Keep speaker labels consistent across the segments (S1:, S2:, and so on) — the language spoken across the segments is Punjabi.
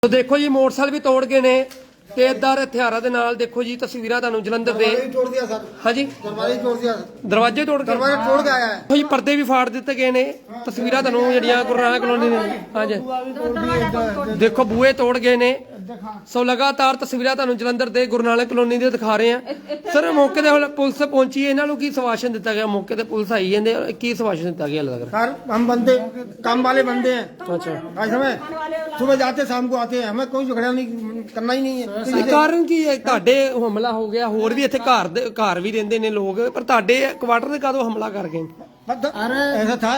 S1: तो देखो जी मोटरसाइकिल भी तोड़ गए ने तेजदार हथियारों के नाल देखो जी तस्वीर तुहानू जलंधर दे हाँ जी दरवाजे तोड़ के आया है जी पर्दे भी फाड़ दिते गए ने तस्वीर तुहानू जड़ियां गुरु नानक कॉलोनी ने हाँ जी देखो बूहे तोड़ गए ने सो लगातार तस्वीर तुहानू जलंधर दे गुरु नानक कॉलोनी दे दिखा रहे हैं सर मौके ते पुलिस पहुंची है इन्हां नू की सवाशन दिता गया मौके ते पुलिस आई है की सवाशन दिता गया लग रहा
S2: सर हम बंदे काम वाले बंदे हैं
S1: अच्छा
S2: समय सुबह जाते शाम को आते हैं हमें कोई झगड़ा नहीं करना ही नहीं है
S1: कारण की है ਤੁਹਾਡੇ ਹਮਲਾ ਹੋ ਗਿਆ ਹੋਰ ਵੀ ਇੱਥੇ ਘਰ ਵੀ ਰਹਿੰਦੇ ਨੇ ਲੋਕ ਪਰ ਤੁਹਾਡੇ ਕੁਆਟਰ ਦੇ ਕਾਦੋਂ ਹਮਲਾ ਕਰ ਗਏ
S2: अरे ऐसा था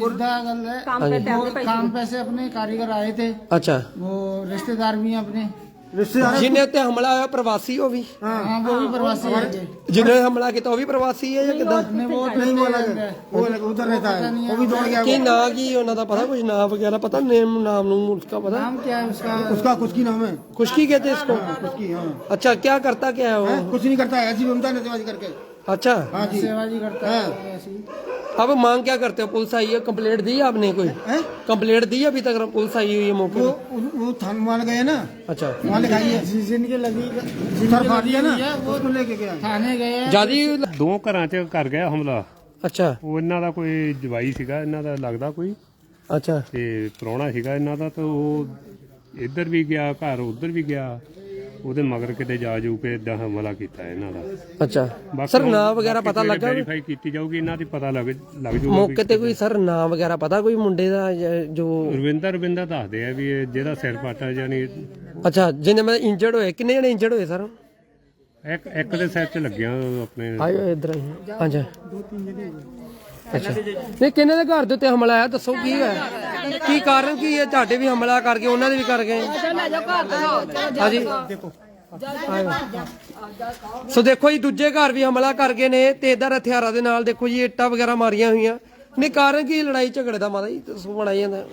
S3: काम पे से अपने कारीगर आए थे
S1: अच्छा
S3: वो रिश्तेदार भी हैं अपने
S1: जिन्हें उत्ते हमला होया प्रवासी हो भी
S3: हाँ वो भी प्रवासी है
S1: जिन्हें हमला किया वो भी प्रवासी है या किदा
S3: वो
S2: नहीं वो उधर रहता है वो भी दौड़ गया
S1: की ना की उन्हों दा पता कुछ नाम वगैरह पता नेम नाम उसका पता
S3: नाम क्या है उसका
S2: उसका कुछ की नाम है
S1: खुशकी कहते हैं इसको
S2: उसकी हाँ
S1: अच्छा क्या करता क्या है वो
S2: कुछ नहीं करता है ऐसी घूमता है नशेबाजी करके
S1: अच्छा
S2: हाँ जी
S3: सेवाजी करता है ऐसी
S1: अब मांग क्या करते हो पुलिस आई है कंप्लेंट दी आपने कोई कंप्लेंट दी अभी तक पुलिस आई हुई है मौके
S2: वो थाने वाले गए ना
S1: अच्छा
S2: वहाँ लिखाई है
S3: जिनके लगी
S2: सर फाड़ी है ना वो उसको लेके गया
S3: थाने गए
S1: ਜਿਆਦੀ
S4: ਦੋ ਘਰਾਂ 'ਚ ਕਰ ਗਿਆ ਹਮਲਾ
S1: अच्छा
S4: ਉਹ ਇਹਨਾਂ ਦਾ ਕੋਈ ਜਵਾਈ ਸੀਗਾ ਇਹਨਾਂ ਦਾ ਲੱਗਦਾ ਕੋਈ
S1: अच्छा
S4: ਤੇ ਪ੍ਰਾਹੁਣਾ ਸੀਗਾ ਇਹਨਾਂ ਦਾ ਤਾਂ ਉਹ ਇੱਧਰ ਵੀ ਗਿਆ ਘਰ ਉੱਧਰ ਵੀ ਗਿਆ ਉਹਦੇ ਮਗਰ ਕਿਤੇ ਜਾ ਜੂ ਕੇ ਇਦਾਂ ਹਮਲਾ ਕੀਤਾ ਇਹਨਾਂ ਦਾ
S1: अच्छा सर नाम वगैरह पता लगा
S4: ਵੈਰੀਫਾਈ ਕੀਤੀ ਜਾਊਗੀ ਇਹਨਾਂ ਦੀ ਪਤਾ ਲੱਗ ਜੂਗਾ
S1: ਮੌਕੇ ਤੇ ਕੋਈ ਸਰ ਨਾਮ ਵਗੈਰਾ ਪਤਾ ਕੋਈ ਮੁੰਡੇ ਦਾ ਜੋ
S4: ਰਵਿੰਦਰ ਦੱਸਦੇ ਆ ਵੀ ਇਹ ਜਿਹੜਾ ਸਿਰ ਪਾਟਾ ਯਾਨੀ
S1: ਅੱਛਾ ਜਿਹਨੇ ਮੈਂ ਇੰਜਰਡ ਹੋਏ ਕਿੰਨੇ ਜਣੇ ਇੰਜਰਡ ਹੋਏ ਸਰ
S4: ਇੱਕ ਦੇ ਸਿਰ 'ਚ ਲੱਗਿਆ ਆਪਣੇ
S1: ਆਇਓ ਇਧਰ ਹਾਂਜੀ ਅੱਛਾ ਨਹੀਂ ਕਿੰਨੇ ਦੇ ਘਰ ਦੇ ਉੱਤੇ ਹਮਲਾ ਆਇਆ ਦੱਸੋ ਕੀ ਹੈ ਕੀ ਕਾਰਨ ਕੀ ਹੈ ਤੁਹਾਡੇ ਵੀ ਹਮਲਾ ਕਰ ਗਏ ਉਹਨਾਂ ਦੇ ਵੀ ਕਰ ਗਏ ਹਾਂਜੀ ਸੋ ਦੇਖੋ ਜੀ ਦੂਜੇ ਘਰ ਵੀ ਹਮਲਾ ਕਰ ਗਏ ਨੇ ਤੇਜ਼ਦਾਰ ਹਥਿਆਰਾਂ ਦੇ ਨਾਲ ਦੇਖੋ ਜੀ ਇੱਟਾਂ ਵਗੈਰਾ ਮਾਰੀਆਂ ਹੋਈਆਂ ਨਹੀਂ ਕਾਰਨ ਕੀ ਲੜਾਈ ਝਗੜੇ ਦਾ ਮਾਤਾ ਜੀ ਦੱਸੋ ਬਣਾਈ ਜਾਂਦਾ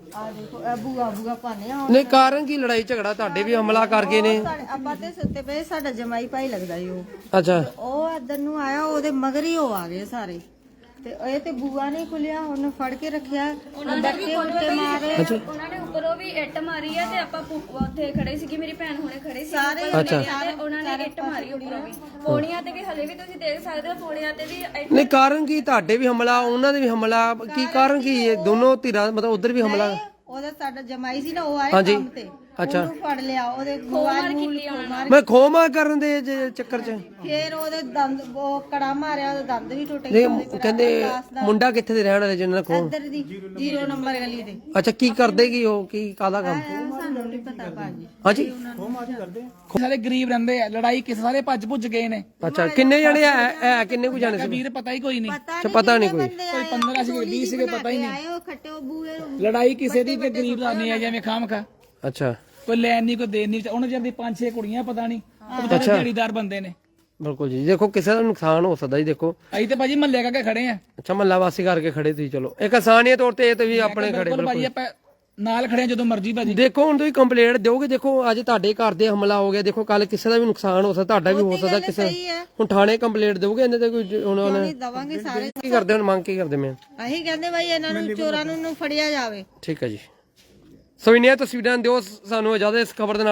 S1: ਨਹੀਂ ਕਾਰਨ ਕੀ ਲੜਾਈ ਝਗੜਾ ਤੁਹਾਡੇ ਵੀ ਹਮਲਾ ਕਰ ਗਏ ਨੇ
S5: ਆਪਾਂ ਤੇ ਸੁੱਤੇ ਪਏ ਸਾਡਾ ਜਮਾਈ ਭਾਈ ਲੱਗਦਾ ਈ
S1: ਅੱਛਾ
S5: ਉਹ ਇੱਧਰ ਨੂੰ ਆਇਆ ਉਹਦੇ ਮਗਰ ਹੀ ਉਹ ਆ ਗਏ ਸਾਰੇ ਤੇ ਇਹ ਤੇ ਬੂਆ ਨੇ ਖੁੱਲਿਆ ਉਹਨੇ ਫੜ ਕੇ ਰੱਖਿਆ ਬੱਚੇ ਉੱਤੇ ਮਾਰੇ
S6: ਉਹਨਾਂ ਨੇ ਉੱਪਰੋਂ ਵੀ ਇੱਟ ਮਾਰੀ ਆ ਤੇ ਆਪਾਂ ਉੱਥੇ ਖੜੇ ਸੀਗੇ ਮੇਰੀ ਭੈਣ ਹੁਣੇ ਖੜੇ ਸੀ
S5: ਸਾਰੇ
S6: ਉਹਨਾਂ ਨੇ ਇੱਟ ਮਾਰੀ ਉੱਪਰੋਂ ਵੀ ਪੌੜੀਆਂ ਤੇ ਵੀ ਹਲੇ ਵੀ ਤੁਸੀਂ ਦੇਖ ਸਕਦੇ ਹੋ ਪੌੜੀਆਂ ਤੇ ਵੀ
S1: ਨਹੀਂ ਕਾਰਨ ਕੀ ਤੁਹਾਡੇ ਵੀ ਹਮਲਾ ਉਹਨਾਂ ਦੇ ਵੀ ਹਮਲਾ ਕੀ ਕਾਰਨ ਕੀ ਹੈ ਦੋਨੋਂ ਧਿਰਾਂ ਮਤਲਬ ਉਧਰ ਵੀ ਹਮਲਾ
S5: ਉਹਦਾ ਸਾਡਾ ਜਮਾਈ ਸੀ ਨਾ ਉਹ ਆਇਆ ਕੰਮ ਤੇ
S1: ਅੱਛਾ
S5: ਉਹਨੂੰ ਫੜ ਲਿਆ ਉਹਦੇ ਮੋਬਾਈਲ ਮਾਰ
S1: ਮੈਂ ਖੋਮਾ ਕਰਨ ਦੇ ਚੱਕਰ 'ਚ
S5: ਫੇਰ ਉਹਦੇ ਦੰਦ ਉਹ ਕੜਾ ਮਾਰਿਆ ਉਹਦੇ ਦੰਦ ਵੀ ਟੁੱਟ
S1: ਨਹੀਂ
S5: ਗਏ
S1: ਕਹਿੰਦੇ ਮੁੰਡਾ ਕਿੱਥੇ ਦੇ ਰਹਿਣ ਵਾਲੇ ਜਿਹਨਾਂ ਨਾਲ ਖੋ
S5: ਇੱਧਰ ਦੀ 0 ਨੰਬਰ ਗਲੀ ਦੇ
S1: ਅੱਛਾ ਕੀ ਕਰਦੇ ਕੀ ਉਹ ਕੀ ਕਾਹਦਾ ਕੰਮ
S5: ਸਾਨੂੰ ਨਹੀਂ ਪਤਾ ਭਾਜੀ
S1: ਹਾਂਜੀ
S3: ਸਾਰੇ ਗਰੀਬ ਰਹਿੰਦੇ ਆ ਲੜਾਈ ਕਿਸੇ ਸਾਰੇ ਭੱਜ ਭੁੱਜ ਗਏ ਨੇ
S1: ਅੱਛਾ ਕਿੰਨੇ ਜਣੇ ਹੈ ਕਿੰਨੇ ਕੁ ਜਾਣੇ ਸੀ
S3: ਵੀਰ ਪਤਾ ਹੀ ਕੋਈ ਨਹੀਂ
S1: ਪਤਾ ਨਹੀਂ ਕੋਈ
S3: ਕੋਈ 15 ਸੀਗੇ 20 ਸੀਗੇ ਪਤਾ ਹੀ ਨਹੀਂ
S5: ਆਏ ਉਹ ਖੱਟੇ ਉਹ ਬੂਏ
S3: ਲੜਾਈ ਕਿਸੇ ਦੀ ਤੇ ਗਰੀਬ ਦਾ ਨਹੀਂ ਆ ਜਿਵੇਂ ਖਾਮ ਖਾ
S1: ਅੱਛਾ
S3: ਕੋਈ ਲੈਣ ਨਹੀਂ ਕੋਈ ਦੇਣ ਨਹੀਂ ਉਹਨਾਂ ਜਦ ਦੀ 5-6 ਕੁੜੀਆਂ ਪਤਾ ਨਹੀਂ ਉਹ ਵਿਚਾਰੇ ਦਿਹਾੜੀਦਾਰ ਬੰਦੇ ਨੇ
S1: ਬਿਲਕੁਲ ਜੀ ਦੇਖੋ ਕਿਸੇ ਦਾ ਨੁਕਸਾਨ ਹੋ ਸਕਦਾ ਜੀ ਦੇਖੋ
S3: ਅਸੀਂ ਤੇ ਭਾਜੀ ਮਹੱਲੇ ਕਰਕੇ ਖੜੇ ਆ
S1: ਅੱਛਾ ਮਹੱਲਾ ਵਾਸੀ ਕਰਕੇ ਖੜੇ ਤੁਸੀਂ ਚਲੋ ਇੱਕ ਆਸਾਨੀਅਤ ਤੌਰ ਤੇ ਇਹ ਤੇ ਵੀ ਆਪਣੇ ਖੜੇ
S3: ਬਿਲਕੁਲ ਭਾਜੀ ਆਪਾਂ ਨਾਲ ਖੜੇ ਆ ਜਦੋਂ ਮਰਜ਼ੀ ਭਾਜੀ
S1: ਦੇਖੋ ਹੁਣ ਤੁਸੀਂ ਕੰਪਲੇਂਟ ਦਿਓਗੇ ਦੇਖੋ ਅੱਜ ਤੁਹਾਡੇ ਘਰ ਦੇ ਹਮਲਾ ਹੋ ਗਿਆ ਦੇਖੋ ਕੱਲ ਕਿਸੇ ਦਾ ਵੀ ਨੁਕਸਾਨ ਹੋ ਸਕਦਾ ਤੁਹਾਡਾ ਵੀ ਹੋ ਸਕਦਾ ਕਿਸੇ ਹੁਣ ਥਾਣੇ ਕੰਪਲੇਂਟ ਦਿਓਗੇ ਇਹਨੇ ਤੇ ਕੋਈ ਉਹਨਾਂ ਨੇ
S5: ਦਵਾਂਗੇ ਸਾਰੇ
S1: ਕੀ ਕਰਦੇ ਹੁਣ ਮੰਗ ਕੀ ਕਰਦੇ ਮੈਂ
S5: ਅਸੀਂ ਕਹਿੰਦੇ ਭਾਈ ਇਹਨਾਂ ਨੂੰ ਚੋਰਾਂ ਨੂੰ ਫੜਿਆ ਜਾਵੇ
S1: ਠੀਕ ਹੈ ਜੀ ਸੋ ਇਨੀਆਂ ਤਸਵੀਰਾਂ ਦਿਓ ਸਾਨੂੰ ਇਜਾਜ਼ਤ ਇਸ ਖਬਰ ਦੇ ਨਾਲ